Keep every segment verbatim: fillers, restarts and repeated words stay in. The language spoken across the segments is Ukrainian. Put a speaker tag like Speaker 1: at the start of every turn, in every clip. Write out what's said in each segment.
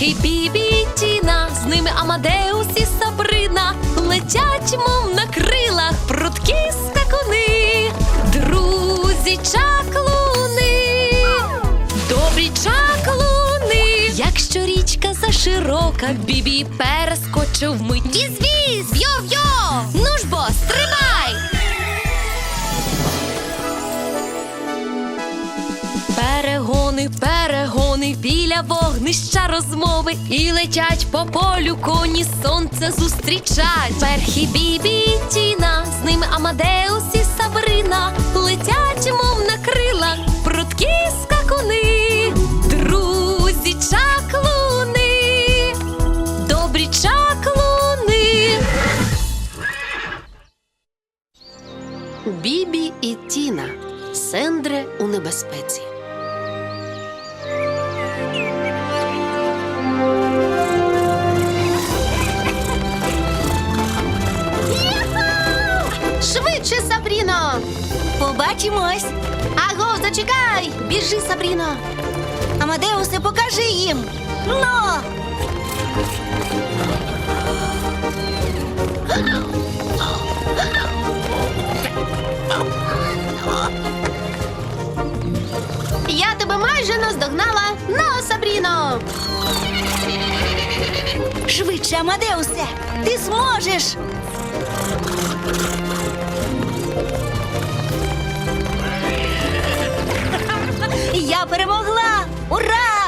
Speaker 1: Перхі, Бібі і Тіна, з ними Амадеус і Сабрина, летять, мов на крилах, прудкі скакуни, друзі чаклуни, добрі чаклуни. Якщо річка заширока, Бібі перескочив вмить. Віз-віз, йо-йо, ну ж бо, стрибай! Перегони, перегони, біля вогнища розмови, і летять по полю коні, сонце зустрічать. Перхі, Бібі і Тіна, з ними Амадеус і Сабрина, летять, мов на крилах, прудкі скакуни, друзі чаклуни, добрі чаклуни.
Speaker 2: Бібі і Тіна. Сендре у небезпеці. Швидше, Сабріно!
Speaker 3: Побачимось.
Speaker 2: Аго, зачекай! Біжи, Сабріно!
Speaker 3: Амадеусе, покажи їм. Ну!
Speaker 2: Я тебе майже наздогнала! Ну, Сабріно!
Speaker 3: Швидше, Амадеусе, ти зможеш. Я перемогла! Ура!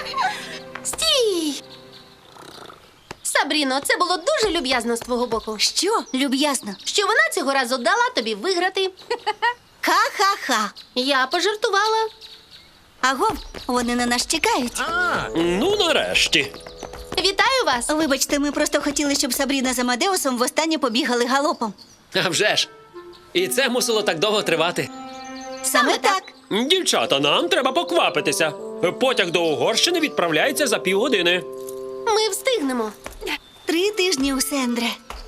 Speaker 2: Стій! Сабріно, це було дуже люб'язно з твого боку.
Speaker 3: Що, люб'язно?
Speaker 2: Що вона цього разу дала тобі виграти.
Speaker 3: Ха-ха-ха.
Speaker 2: Я пожартувала.
Speaker 3: Агов, вони на нас чекають.
Speaker 4: А, ну нарешті.
Speaker 2: Вітаю вас!
Speaker 3: Вибачте, ми просто хотіли, щоб Сабріна з Амадеусом востаннє побігали галопом.
Speaker 4: А вже ж. І це мусило так довго тривати.
Speaker 3: Саме так.
Speaker 4: Дівчата, нам треба поквапитися. Потяг до Угорщини відправляється за півгодини.
Speaker 2: Ми встигнемо.
Speaker 3: Три тижні у Сендре.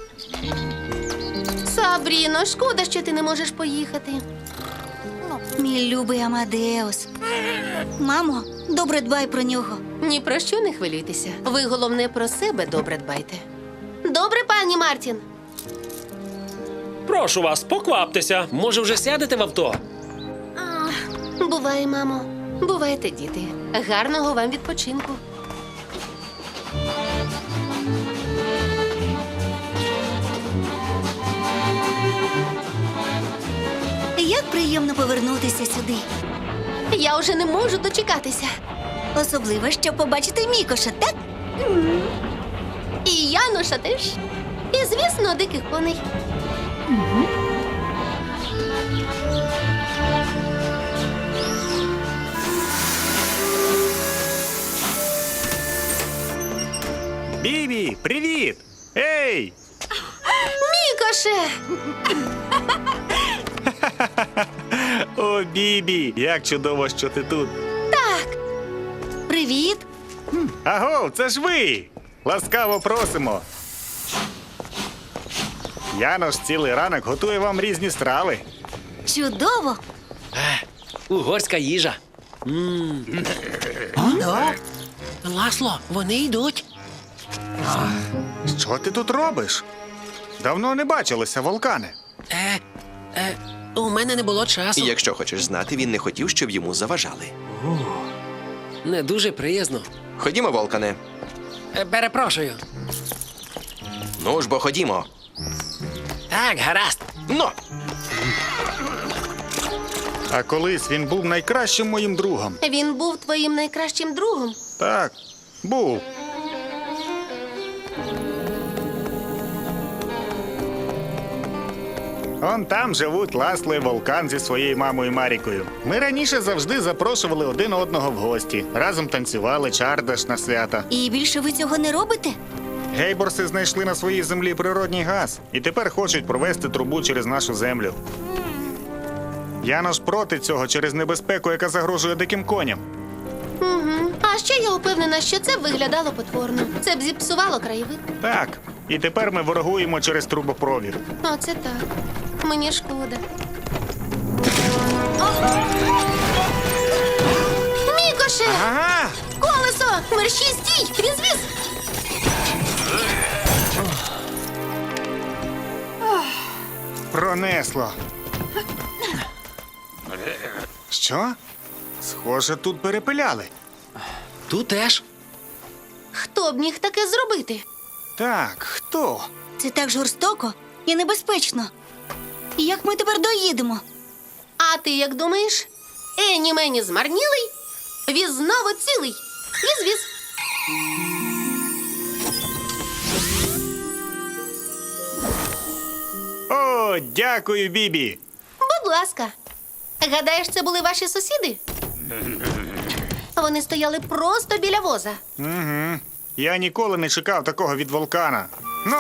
Speaker 2: Сабріно, шкода, що ти не можеш поїхати.
Speaker 3: Мій любий Амадеус. Мамо, добре дбай про нього.
Speaker 2: Ні про що не хвилюйтеся. Ви, головне, про себе добре дбайте. Добре, пані Мартін?
Speaker 4: Прошу вас, покваптеся. Може, вже сядете в авто?
Speaker 2: Буває, мамо. Бувайте, діти. Гарного вам відпочинку.
Speaker 3: Як приємно повернутися сюди.
Speaker 2: Я вже не можу дочекатися.
Speaker 3: Особливо, щоб побачити Мікоша, так?
Speaker 2: І Яноша теж. І, звісно, диких коней.
Speaker 5: Бібі, привіт! Ей!
Speaker 2: Мікоше!
Speaker 5: О, Бібі, як чудово, що ти тут.
Speaker 2: Так,
Speaker 3: Привіт.
Speaker 5: Аго, це ж ви! Ласкаво просимо. Янош цілий ранок готує вам різні страви.
Speaker 3: Чудово.
Speaker 4: Е, угорська їжа.
Speaker 6: Ласло, вони йдуть.
Speaker 5: Що ти тут робиш? Давно не бачилися, Волкане.
Speaker 6: Е, е, у мене не було часу.
Speaker 7: І якщо хочеш знати, він не хотів, щоб йому заважали.
Speaker 4: Не дуже приязно.
Speaker 7: Ходімо, Волкане.
Speaker 6: Е, перепрошую.
Speaker 7: Ну ж бо ходімо.
Speaker 6: Так, гаразд.
Speaker 7: Ну!
Speaker 5: А колись він був найкращим моїм другом.
Speaker 2: він був твоїм найкращим другом.
Speaker 5: Так, був. Он там живуть Ласло і Волкан зі своєю мамою Марікою. Ми раніше завжди запрошували один одного в гості. Разом танцювали чардаш на свята.
Speaker 3: І більше ви цього не робите?
Speaker 5: Гейборси знайшли на своїй землі природній газ і тепер хочуть провести трубу через нашу землю. Янош проти цього через небезпеку, яка загрожує диким коням.
Speaker 2: Угу. А ще я упевнена, що це виглядало потворно. Це б зіпсувало краєвид.
Speaker 5: Так, і тепер ми ворогуємо через трубопровід.
Speaker 2: Оце так. Мені шкода. Мікоше!
Speaker 5: Ага!
Speaker 2: Колесо! Мерщій, стій! Віз-віз!
Speaker 5: Пронесло. Що? Схоже, тут перепиляли.
Speaker 6: Тут теж.
Speaker 2: Хто б міг таке зробити?
Speaker 5: Так, хто?
Speaker 3: Це так жорстоко і небезпечно. Як ми тепер доїдемо?
Speaker 2: А ти як думаєш? Ені мені змарнілий, віз знову цілий. Віз-віз.
Speaker 5: О, дякую, Бібі.
Speaker 2: Будь ласка. Гадаєш, це були ваші сусіди? Вони стояли просто біля воза.
Speaker 5: Угу. Я ніколи не чекав такого від вулкана. Ну.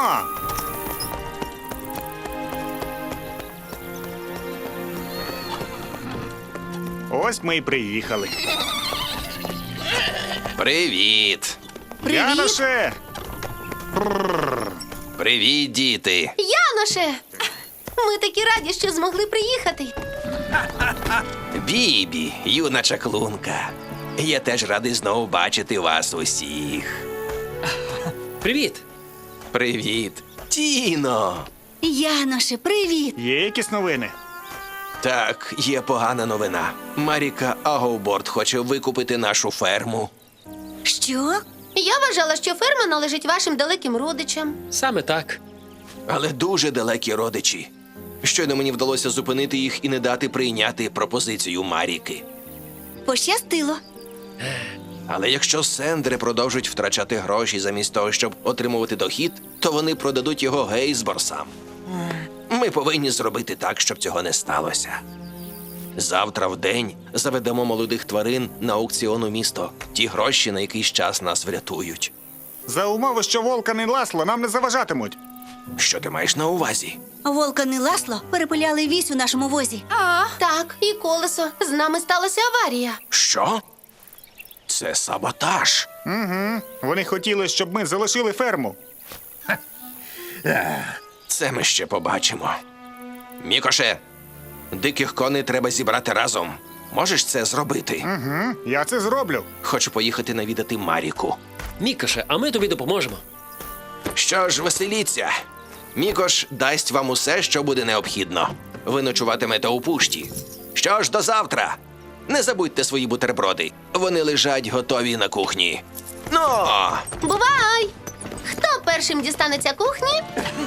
Speaker 5: Ось ми й приїхали.
Speaker 7: Привіт!
Speaker 3: Привіт!
Speaker 5: Яноше!
Speaker 7: Привіт, діти!
Speaker 2: Яноше! Ми такі раді, що змогли приїхати.
Speaker 7: Бібі, юна чаклунка. Я теж радий знову бачити вас усіх.
Speaker 4: Привіт!
Speaker 7: Привіт, Тіно!
Speaker 3: Яноше, привіт!
Speaker 5: Є якісь новини?
Speaker 7: Так, є погана новина. Маріка Агоуборд хоче викупити нашу ферму.
Speaker 3: Що?
Speaker 2: Я вважала, що ферма належить вашим далеким родичам.
Speaker 4: Саме так.
Speaker 7: Але дуже далекі родичі. Щойно мені вдалося зупинити їх і не дати прийняти пропозицію Маріки.
Speaker 3: Пощастило.
Speaker 7: Але якщо сендри продовжують втрачати гроші замість того, щоб отримувати дохід, то вони продадуть його Гейсборсам. Ми повинні зробити так, щоб цього не сталося. Завтра в день заведемо молодих тварин на аукціон у місто. Ті гроші на якийсь час нас врятують.
Speaker 5: За умови, що Волкан і Ласло нам не заважатимуть.
Speaker 7: Що ти маєш на увазі?
Speaker 3: Волкан і Ласло перепиляли вісь у нашому возі.
Speaker 2: А, так, і колесо. З нами сталася аварія.
Speaker 7: Що? Це саботаж.
Speaker 5: Угу. Вони хотіли, щоб ми залишили ферму.
Speaker 7: Це ми ще побачимо. Мікоше, диких коней треба зібрати разом. Можеш це зробити?
Speaker 5: Угу. Я це зроблю.
Speaker 7: Хочу поїхати навідати Маріку.
Speaker 4: Мікоше, а ми тобі допоможемо.
Speaker 7: Що ж, веселіться. Мікош дасть вам усе, що буде необхідно. Ви ночуватимете у пушті. Що ж, до завтра. Не забудьте свої бутерброди. Вони лежать готові на кухні. Ну!
Speaker 2: Бувай! Хто першим дістанеться кухні?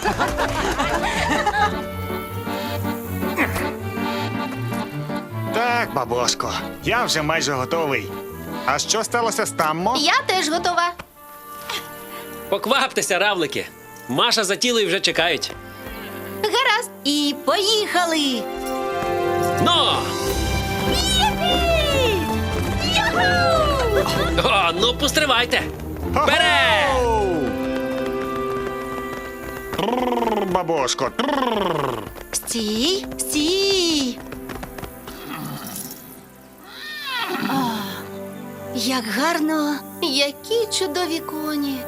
Speaker 5: Так, бабошко, я вже майже готовий. А що сталося з Таммо?
Speaker 2: Я теж готова.
Speaker 4: Покваптеся, равлики. Маша за тілою вже чекають.
Speaker 2: Гаразд.
Speaker 3: І поїхали!
Speaker 4: Но! О, ну постривайте! Вперед!
Speaker 5: Хо-хоу! Трррр, бабошко. трррр.
Speaker 3: Стій, стій! О, як гарно!
Speaker 2: Які чудові коні.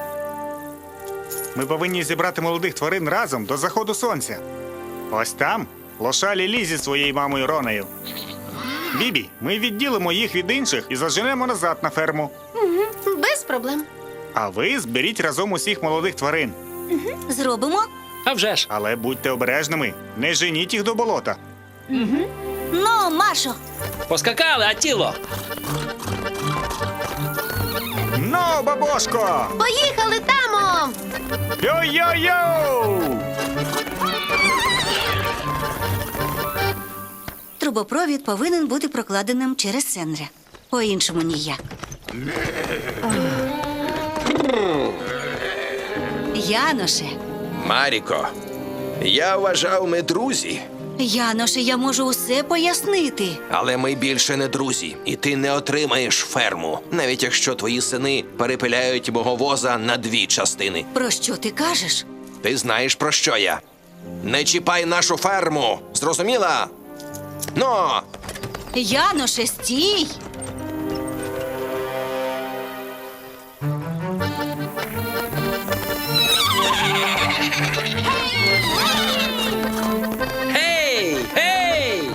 Speaker 5: Ми повинні зібрати молодих тварин разом до заходу сонця. Ось там лошалі Лі зі своєю мамою Ронею. Бібі, ми відділимо їх від інших і заженемо назад на ферму.
Speaker 2: Без проблем.
Speaker 5: А ви зберіть разом усіх молодих тварин.
Speaker 3: Зробимо?
Speaker 4: А вже ж.
Speaker 5: Але будьте обережними, не женіть їх до болота.
Speaker 3: Ну, Машо!
Speaker 4: Поскакали, а тіло!
Speaker 5: Ну, бабошко!
Speaker 2: Поїхали, тамо!
Speaker 5: Йо-йо-йо!
Speaker 3: Трубопровід повинен бути прокладеним через Сендри. По-іншому ніяк. Яноше,
Speaker 7: Маріко, я вважав, ми друзі.
Speaker 3: Яноше, я можу усе пояснити.
Speaker 7: Але ми більше не друзі, і ти не отримаєш ферму, навіть якщо твої сини перепиляють мого воза на дві частини.
Speaker 3: Про що ти кажеш?
Speaker 7: Ти знаєш, про що я. Не чіпай нашу ферму, зрозуміла? Ну,
Speaker 3: Яноше, стій!
Speaker 4: Гей! Гей!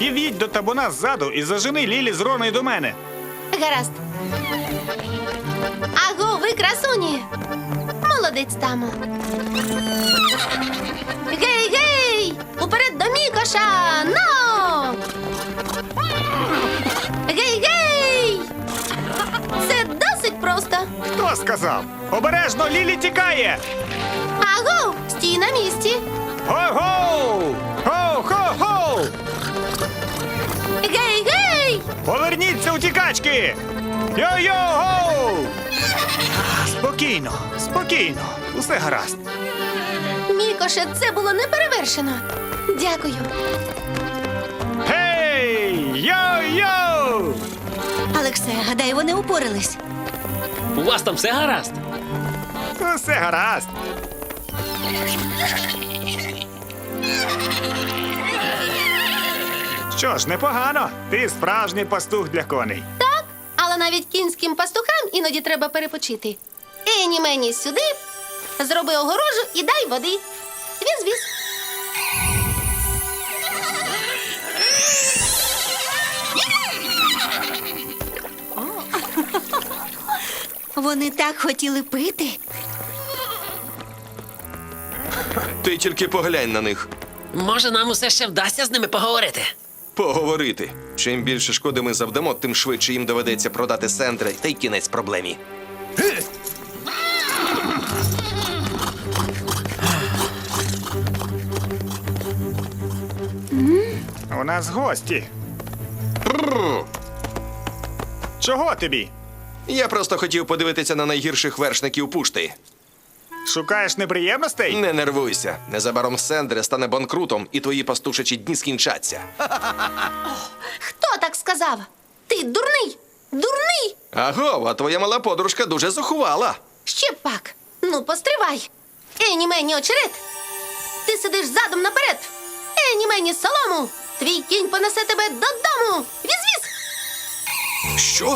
Speaker 5: під'їдь до табуна ззаду і зажени Лілі з Роною до мене.
Speaker 2: Гаразд. Аго, ви красуні! Молодець, тамо. Гей, гей! Уперед до Мікоша! Но! Гей, гей! Це досить просто.
Speaker 5: Хто сказав? Обережно, Лілі тікає!
Speaker 2: Аго, стій на місці.
Speaker 5: Го-го! Го-го-го!
Speaker 2: Гей, гей!
Speaker 5: Поверніться, утікачки! Йо-йо-го! Спокійно, спокійно, усе гаразд.
Speaker 2: Мікоше, це було неперевершено. Дякую.
Speaker 5: Гей! Йо-йо!
Speaker 3: Алексе, гадаю, вони упорались.
Speaker 4: У вас там все гаразд?
Speaker 5: Усе гаразд. Що ж, непогано. Ти справжній пастух для коней.
Speaker 2: Так, але навіть кінським пастухам іноді треба перепочити. Ені мені сюди, зроби огорожу і дай води. Віз-віз.
Speaker 3: Вони так хотіли пити.
Speaker 7: Ти тільки поглянь на них.
Speaker 6: Може, нам усе ще вдасться з ними поговорити?
Speaker 7: Поговорити. Чим більше шкоди ми завдамо, тим швидше їм доведеться продати Сендре, та й кінець проблемі.
Speaker 5: У нас гості. Чого тобі?
Speaker 7: Я просто хотів подивитися на найгірших вершників пушти.
Speaker 5: Шукаєш неприємностей?
Speaker 7: Не нервуйся. Незабаром Сендре стане банкрутом, і твої пастушачі дні скінчаться.
Speaker 2: Хто так сказав? Ти дурний! Дурний!
Speaker 7: Аго, а твоя мала подружка дуже зухувала.
Speaker 2: Ще пак. Ну, постривай. Ені мені очерет. Ти сидиш задом наперед. Ені мені солому. Твій кінь понесе тебе додому. Віз-віз.
Speaker 7: Що?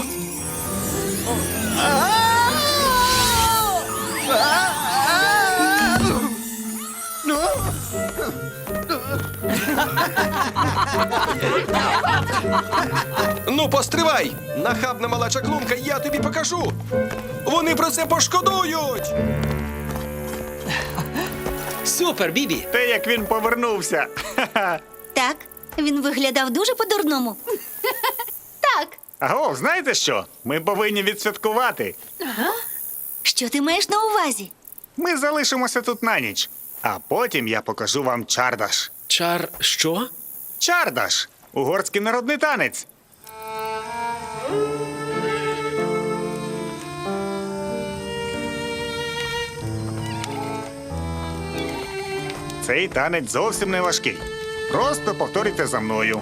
Speaker 7: Ну, постривай! Нахабна мала чаклунка, я тобі покажу! Вони про це пошкодують!
Speaker 4: Супер, Бібі!
Speaker 5: Те, як він повернувся. Ха-ха.
Speaker 3: Так, він виглядав дуже по-дурному.
Speaker 2: Так.
Speaker 5: Аго, знаєте що? Ми повинні відсвяткувати.
Speaker 3: Що ти маєш на увазі?
Speaker 5: Ми залишимося тут на ніч, а потім я покажу вам чардаш.
Speaker 4: Чар що?
Speaker 5: Чардаш – угорський народний танець. Цей танець зовсім не важкий. Просто повторюйте за мною.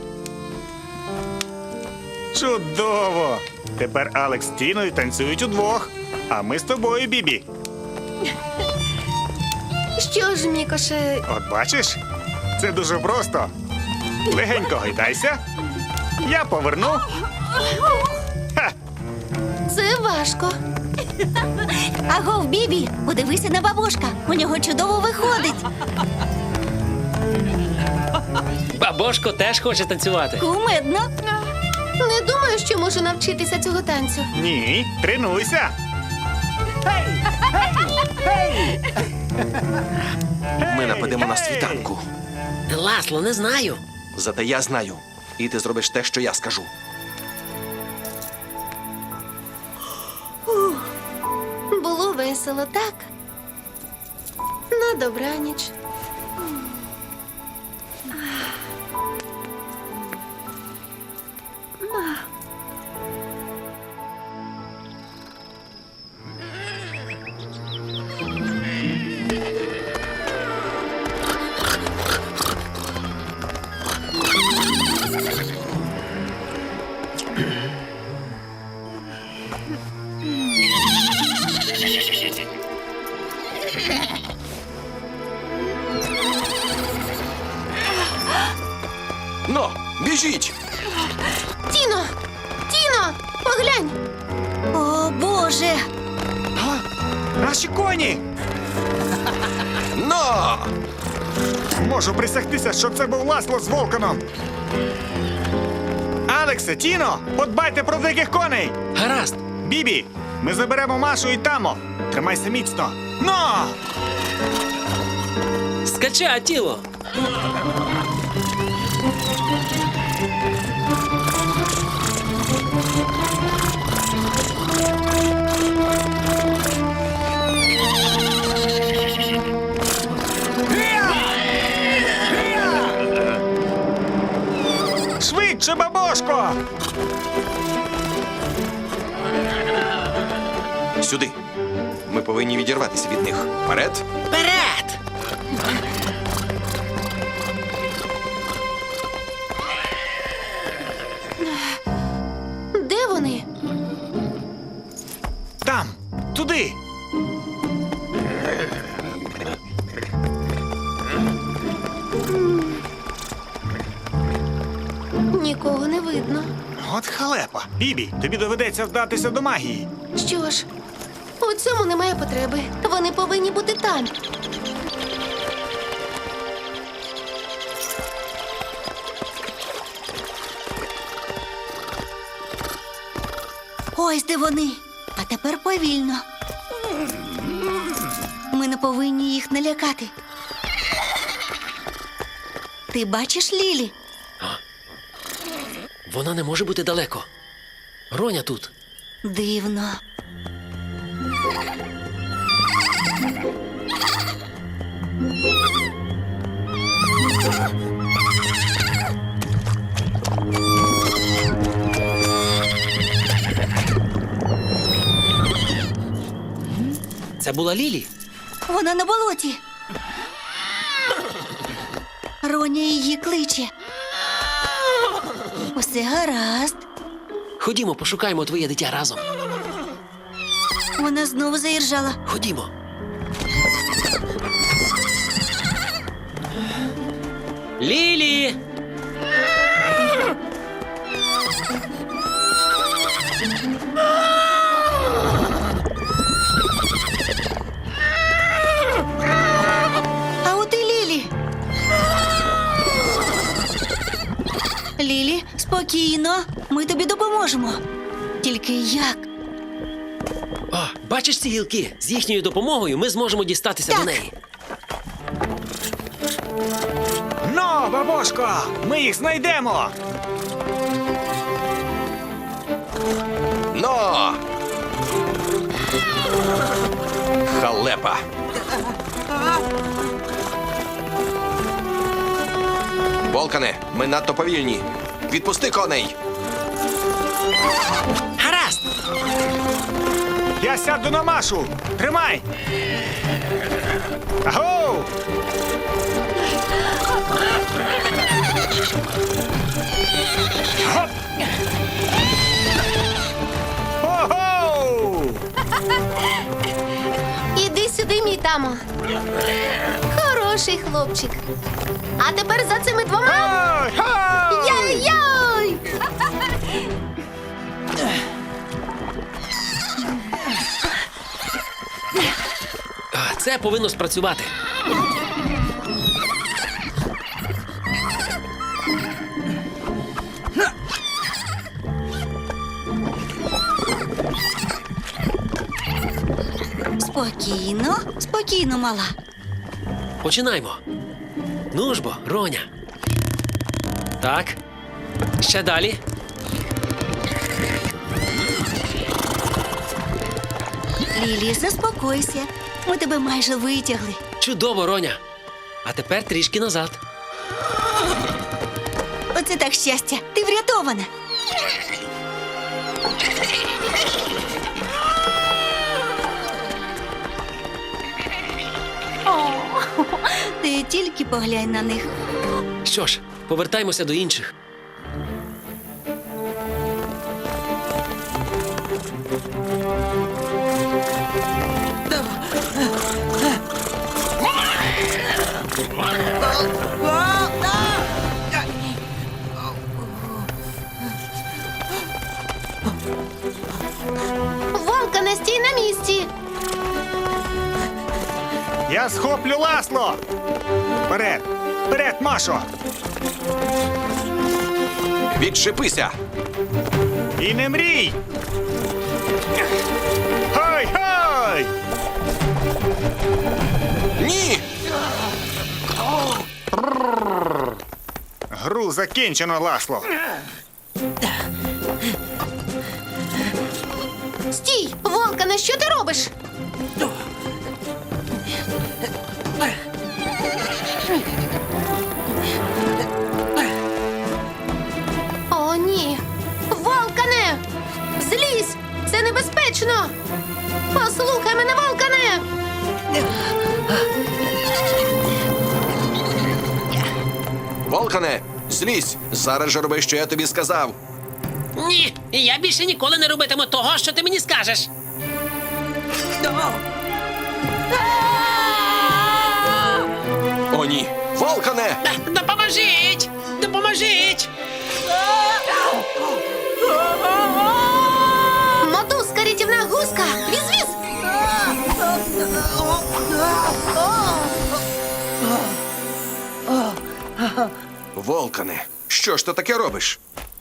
Speaker 5: Чудово! Тепер Алекс з Тіною танцюють удвох, а ми з тобою, Бібі.
Speaker 2: Що ж, Мікоше,
Speaker 5: От бачиш? Це дуже просто. Легенько гайдайся. Я поверну. Ха!
Speaker 2: це важко.
Speaker 3: Агов, Бібі, подивися на бабушка. У нього чудово виходить.
Speaker 4: Бабошко теж хоче танцювати.
Speaker 3: Кумедно.
Speaker 2: Не думаю, що можу навчитися цього танцю.
Speaker 5: Ні, тренуйся.
Speaker 7: Ми нападемо на світанку.
Speaker 6: Ласло, не знаю.
Speaker 7: Зате я знаю. І ти зробиш те, що я скажу.
Speaker 2: Було весело, так? На добраніч.
Speaker 7: Но, біжіть!
Speaker 2: Тіно! Тіно! Поглянь!
Speaker 3: О, Боже!
Speaker 5: Наші коні!
Speaker 7: Но!
Speaker 5: Можу присягтися, що це був Ласло з Волканом. Алексе, Тіно, подбайте про диких коней!
Speaker 4: Гаразд.
Speaker 5: Бібі, ми заберемо Машу і Тамо. Тримайся міцно. Но!
Speaker 4: Скача, тіло.
Speaker 5: Швидше, бабошко!
Speaker 7: Сюди. Ми повинні відірватися від них. Вперед!
Speaker 6: Вперед!
Speaker 2: Де вони?
Speaker 5: Там! Туди!
Speaker 2: Нікого не видно.
Speaker 5: От халепа. Бібі, тобі доведеться вдатися до магії.
Speaker 2: Що ж, у цьому немає потреби. Вони повинні бути там.
Speaker 3: Ось де вони. А тепер повільно. Ми не повинні їх налякати. Ти бачиш Лілі?
Speaker 6: Вона не може бути далеко. Роня тут.
Speaker 3: Дивно.
Speaker 6: Це була Лілі.
Speaker 3: Вона на болоті. Роня її кличе. Усе гаразд.
Speaker 6: Ходімо, пошукаємо твоє дитя разом.
Speaker 3: Вона знову заіржала.
Speaker 6: Ходімо.
Speaker 4: Лілі!
Speaker 3: А от і Лілі. Лілі, спокійно. Ми тобі допоможемо. Тільки як?
Speaker 6: О, бачиш ці гілки? З їхньою допомогою ми зможемо дістатися
Speaker 3: Так.
Speaker 6: до неї.
Speaker 5: Но, бабошко! Ми їх знайдемо!
Speaker 7: Но! Халепа! Волкане, ми надто повільні. Відпусти коней!
Speaker 6: Гаразд!
Speaker 5: Я сяду на Машу! Тримай! Агоу! Гоп! Ого!
Speaker 2: Іди сюди, мій тамо. Хороший хлопчик. А тепер за цими двома.
Speaker 5: Ой, ой!
Speaker 2: Яй-яй!
Speaker 6: А, Це повинно спрацювати.
Speaker 3: Спокійно, спокійно, мала.
Speaker 6: Починаймо. Ну ж бо, Роня. Так. Ще далі.
Speaker 3: Лілі, заспокойся. Ми тебе майже витягли.
Speaker 6: Чудово, Роня. А тепер трішки назад.
Speaker 3: Оце так щастя. Ти врятована. О, ти тільки поглянь на них.
Speaker 6: Що ж, повертаймося до інших.
Speaker 2: Вовка, не стій на місці.
Speaker 5: Я схоплю Ласло! Вперед! Вперед, Машо!
Speaker 7: Відчепися!
Speaker 5: І не мрій! Хай-хай!
Speaker 7: Ні!
Speaker 5: Гру закінчено, Ласло.
Speaker 2: Стій! Волкане, що ти робиш? О, ні! Волкане! Злізь! Це небезпечно! Послухай мене, Волкане!
Speaker 7: Волкане, злізь! Зараз же роби, що я тобі сказав.
Speaker 6: Ні, я більше ніколи не робитиму того, що ти мені скажеш.
Speaker 7: О, ні! Волкане!
Speaker 6: Допоможіть! Допоможіть!
Speaker 2: Мотузка, рятівна гуска! Віз-віз!
Speaker 7: Волкане, що ж ти таке робиш?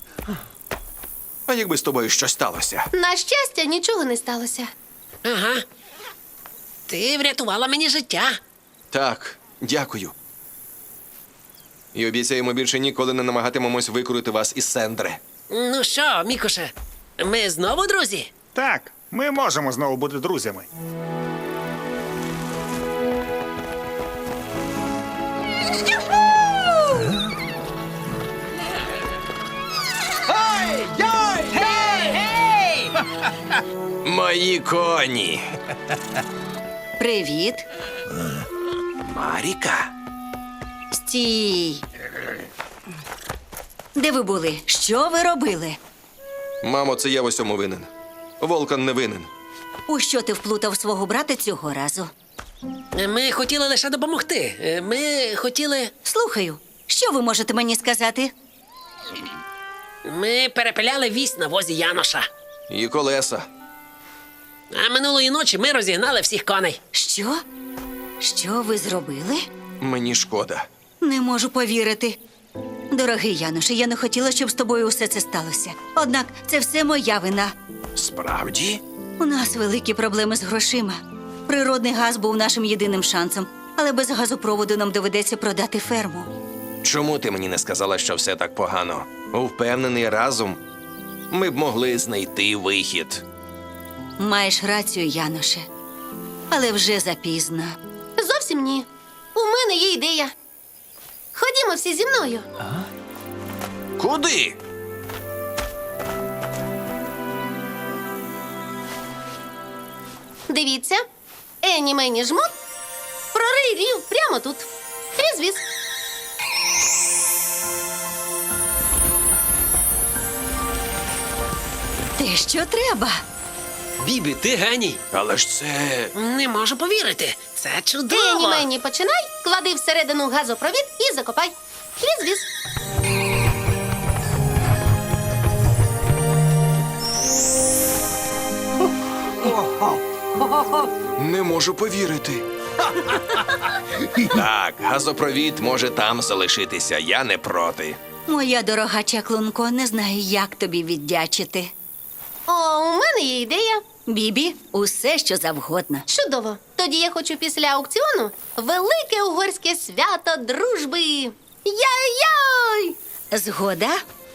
Speaker 7: А якби з тобою щось сталося?
Speaker 2: На щастя, нічого не сталося.
Speaker 6: Ага. Ти врятувала мені життя.
Speaker 7: Так, дякую. І обіцяємо більше ніколи не намагатимемось викрути вас із Сендри.
Speaker 6: Ну що, Мікоше, ми знову друзі?
Speaker 5: Так, ми можемо знову бути друзями.
Speaker 7: Мої коні!
Speaker 3: Привіт.
Speaker 7: Маріка?
Speaker 3: Стій. Де ви були? Що ви робили?
Speaker 7: Мамо, це я в усьому винен. Волкан не винен.
Speaker 3: У що ти вплутав свого брата цього разу?
Speaker 6: Ми хотіли лише допомогти. Ми хотіли.
Speaker 3: Слухаю, що ви можете мені сказати?
Speaker 6: Ми перепиляли вісь на возі Яноша.
Speaker 7: І колеса.
Speaker 6: А минулої ночі ми розігнали всіх коней.
Speaker 3: Що? Що ви зробили?
Speaker 7: Мені шкода.
Speaker 3: Не можу повірити. Дорогий Януше, я не хотіла, щоб з тобою усе це сталося. Однак це все моя вина.
Speaker 7: Справді?
Speaker 3: У нас великі проблеми з грошима. Природний газ був нашим єдиним шансом, але без газопроводу нам доведеться продати ферму.
Speaker 7: Чому ти мені не сказала, що все так погано? Впевнений, разом ми б могли знайти вихід.
Speaker 3: Маєш рацію, Яноше. Але вже запізно.
Speaker 2: Зовсім ні. У мене є ідея. Ходімо всі зі мною.
Speaker 7: Куди?
Speaker 2: Дивіться. Ені мені жмут. Прорий рів прямо тут. Віз-віз.
Speaker 3: Те, що треба.
Speaker 6: Бібі, ти геній.
Speaker 7: Але ж це.
Speaker 6: Не можу повірити. Це чудово.
Speaker 2: Ені мені починай, клади всередину газопровід і закопай. Віз-віз.
Speaker 7: Не можу повірити. Так, газопровід може там залишитися. Я не проти.
Speaker 3: Моя дорога чаклунко, не знаю, як тобі віддячити.
Speaker 2: О, у мене є ідея.
Speaker 3: Бібі, усе, що завгодно.
Speaker 2: Чудово. Тоді я хочу після аукціону велике угорське свято дружби. Яй-яй!
Speaker 3: Згода?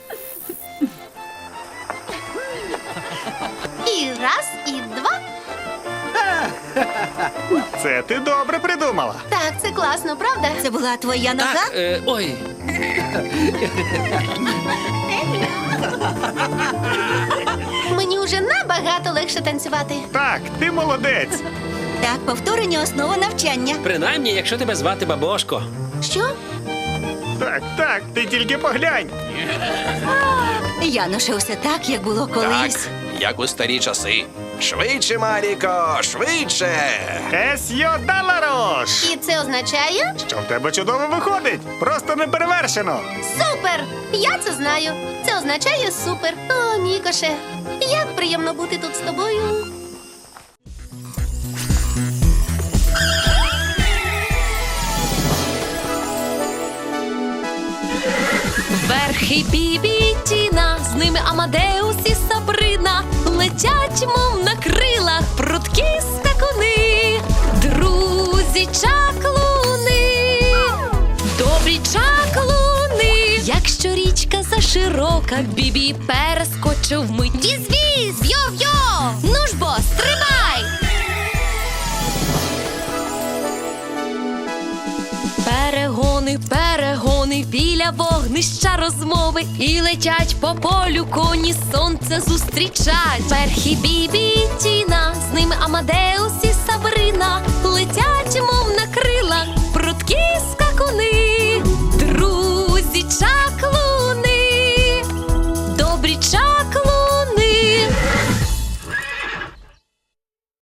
Speaker 2: І раз, і два.
Speaker 5: Це ти добре придумала.
Speaker 2: Так, це класно, правда?
Speaker 3: Це була твоя нога?
Speaker 6: Так, е, ой.
Speaker 2: Мені вже набагато легше танцювати.
Speaker 5: Так, ти молодець.
Speaker 3: Так, повторення основа навчання.
Speaker 6: Принаймні, якщо тебе звати Бабошко.
Speaker 2: Що?
Speaker 5: Так, так, ти тільки поглянь.
Speaker 3: Януше, усе так, як було колись.
Speaker 7: Так, як у старі часи. Швидше, Маріко, швидше!
Speaker 5: Есьо Даларош!
Speaker 2: І це означає?
Speaker 5: Що в тебе чудово виходить? Просто неперевершено.
Speaker 2: Супер! Я це знаю. Це означає супер. О, Мікоше, як приємно бути тут з тобою.
Speaker 1: Верхи Бібі, Тіна Амадеус і Сабрина летять, мов на крилах, прудкі скакуни, друзі чаклуни, добрі чаклуни. Якщо річка заширока, Бібі перескочив вмить. Віз-віз, йо-йо, ну ж бо, стрибай! Перегони, перегони, біля вогнища розмови, і летять по полю коні, сонце зустрічать. Перхі Бібі і Тіна, з ними Амадеус і Сабрина летять.